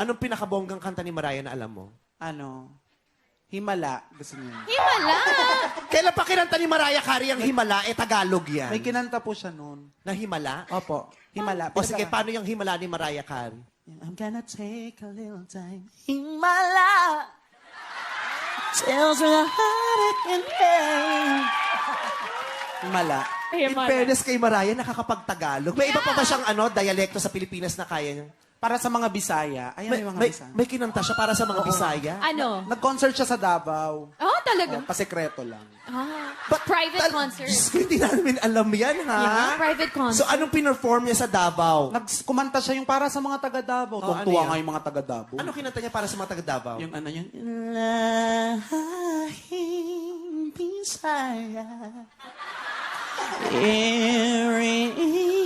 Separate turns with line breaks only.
Anong pinakabonggang kanta ni Mariah na alam mo?
Ano? Himala. Gusto niyo?
Himala!
Kailan pa kinanta ni Mariah Carey ang Himala? Tagalog yan.
May kinanta po siya noon.
Na Himala?
Opo. Himala.
O sige, paano yung Himala ni Mariah Carey?
I'm gonna take a little time. Himala. Tells me how I can pain. Himala.
In fairness kay Mariah, nakakapag-Tagalog. May iba pa ba siyang dialekto sa Pilipinas na kaya niya?
Para sa mga Bisaya. Ayan
May,
yung mga
may,
Bisaya.
may kinanta siya para sa mga Bisaya?
Ano?
Nag-concert siya sa Davao.
Oh, talaga?
Pasekreto lang.
Private concert.
Diyos ko, hindi namin alam yan, ha?
Yeah, private concert.
So, anong pinerform niya sa Davao?
Kumanta siya yung para sa mga taga Davao.
Oh,
Tuwang-tuwa
ano yan?
nga yung mga taga Davao.
Ano kinanta niya para sa mga taga-Davao?
Yung ano yun? Lahing Bisaya. Eri